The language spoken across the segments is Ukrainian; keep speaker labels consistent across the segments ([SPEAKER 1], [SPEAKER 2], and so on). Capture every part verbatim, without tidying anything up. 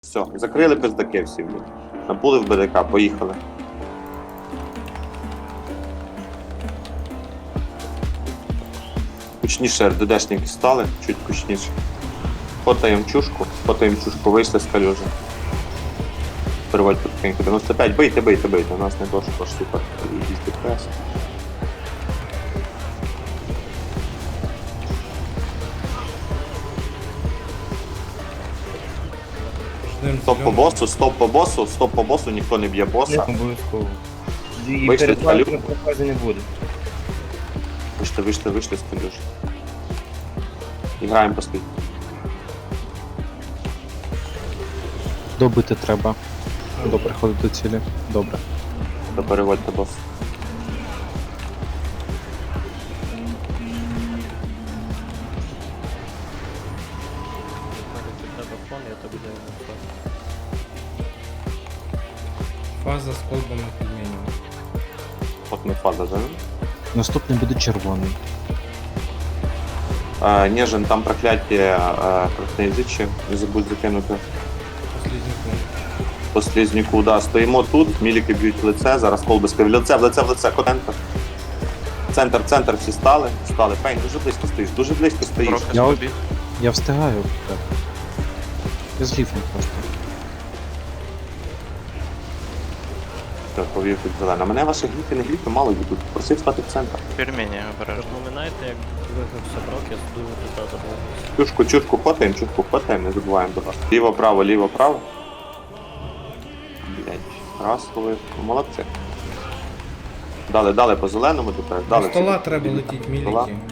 [SPEAKER 1] Все, закрили пиздаки всі, блін. Набули в БДК, поїхали. Кучніше РДДшники стали, чуть кучніше. Фотаємо чушку, фотаємо чушку, вийшли з калюжі. Переводь потихеньку. дев'яносто п'ять, бийте, бийте, бийте. У нас не то, що супер. Їздить прес. Стоп по босу, стоп по босу, стоп по босу, ніхто не б'є боса.
[SPEAKER 2] Не обов'язково. І
[SPEAKER 1] Вийшли
[SPEAKER 2] перед
[SPEAKER 1] з калюжі.
[SPEAKER 2] вами прокази не буде.
[SPEAKER 1] Вийшли, вийшли, вийшли з калюжі. І граємо по слід.
[SPEAKER 3] Добити треба. До приходу до цілі. Добре.
[SPEAKER 1] То переводьте бос.
[SPEAKER 4] Фаза з колбами пельменями.
[SPEAKER 1] От ми фаза, да?
[SPEAKER 3] Наступний буде червоний.
[SPEAKER 1] А, Нежин, там прокляття красноязичі, не забудь закинути.
[SPEAKER 4] Посліднику.
[SPEAKER 1] По слізняку, да, стоїмо тут, міліки б'ють в лице, зараз колби скажуть, в лице, в лице, в лице, центр. Центр, центр, всі стали, стали. Пень, дуже близько стоїш, дуже близько стоїш.
[SPEAKER 3] Я, я встигаю. Так. Я з ліфом просто.
[SPEAKER 1] Так, повів під зелена. Мене ваші гліфи, не гліфи, мало йдуть. Просив стати в центр.
[SPEAKER 5] Пельмені обережно.
[SPEAKER 6] Напоминаєте, як вигрався брок, я дуже пізда забув.
[SPEAKER 1] Чушку, чушку хватаємо, чушку хватаємо, не забуваємо до вас. Ліво, право, ліво, право. Блять, раз, коли. Молодці. Дали, дали по зеленому тепер. Дали.
[SPEAKER 4] До стола
[SPEAKER 1] всі-
[SPEAKER 4] треба летіти,
[SPEAKER 1] Стола.
[SPEAKER 4] міліки.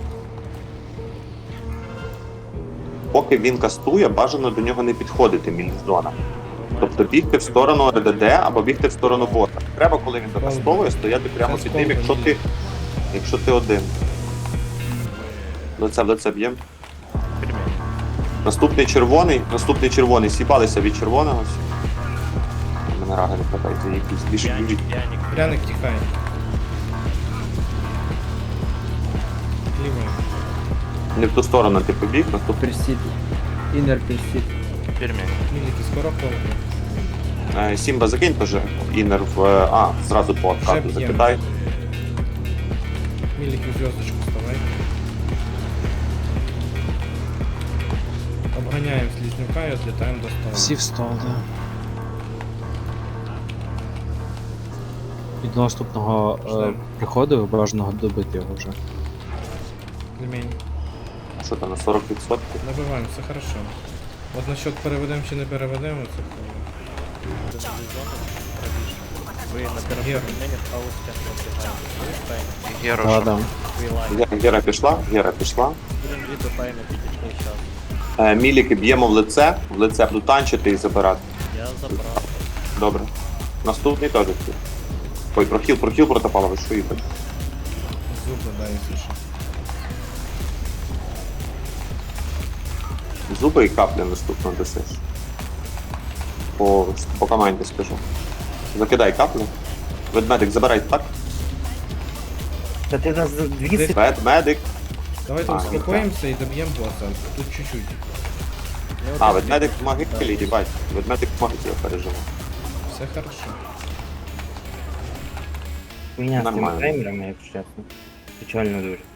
[SPEAKER 1] Поки він кастує, бажано до нього не підходити мілізона. Тобто бігти в сторону РДД або бігти в сторону бота. Треба, коли він докастовує, стояти прямо під ним, якщо ти, якщо ти один. Лице в лице б'єм.
[SPEAKER 5] Пельмені.
[SPEAKER 1] Наступний червоний, наступний червоний, сіпалися від червоного. Мене рага не хватається, якісь більше
[SPEAKER 5] П'яник,
[SPEAKER 1] біжить.
[SPEAKER 5] п'яник.
[SPEAKER 4] Пряник тікає. Лівою.
[SPEAKER 1] Не в ту сторону ти побіг, наступний.
[SPEAKER 2] Персід. Інер персід.
[SPEAKER 5] Пельмені.
[SPEAKER 4] Міліки, скоро колби.
[SPEAKER 1] Е, Сімба закинь теж інер в. е, А, зразу по откату
[SPEAKER 4] Вже б'ємо.
[SPEAKER 1] закидай.
[SPEAKER 4] Міліки в зв'язочку вставай. Обганяємо слізнюка і відлітаємо до стола.
[SPEAKER 3] Всі встали. І до наступного е, приходу бажаного добити його вже.
[SPEAKER 4] Пельмень.
[SPEAKER 1] Що там на сорок відсотків?
[SPEAKER 4] Набиваємо, все хорошо. От насчет переведемо чи не переведемо, це
[SPEAKER 6] Ви на
[SPEAKER 4] Гера.
[SPEAKER 6] першому пельмені хаості пробігаєте. Ви
[SPEAKER 5] Геро,
[SPEAKER 3] Да,
[SPEAKER 5] що?
[SPEAKER 3] да.
[SPEAKER 6] лайн.
[SPEAKER 1] Ге- Гера пішла, Гера пішла.
[SPEAKER 6] Будемо дві до тайми підійшли час.
[SPEAKER 1] Е, Міліки б'ємо в лице, в лице буду танчити і забирати.
[SPEAKER 6] Я забрав.
[SPEAKER 1] Добре. Наступний теж тут. Ой, прохіл, прохіл протопала, ви що їбать?
[SPEAKER 4] зуби, да, якщо що.
[SPEAKER 1] Зуби і каплі наступно десиш. По, по команді скажу. Закидай каплю. Ведмедик, забирай так.
[SPEAKER 2] Та ти нас за дві секунди.
[SPEAKER 1] Ведмедик.
[SPEAKER 4] Давайте
[SPEAKER 1] А,
[SPEAKER 4] успокоїмося і доб'ємо боса. Тут чуть-чуть.
[SPEAKER 1] А, ведмедик в могилі, їбать. Ведмедик в могилі переживе.
[SPEAKER 4] Все хорошо.
[SPEAKER 2] Меня з цими
[SPEAKER 1] Нормально.
[SPEAKER 2] таймерами, якщо чесно. Печально дуже.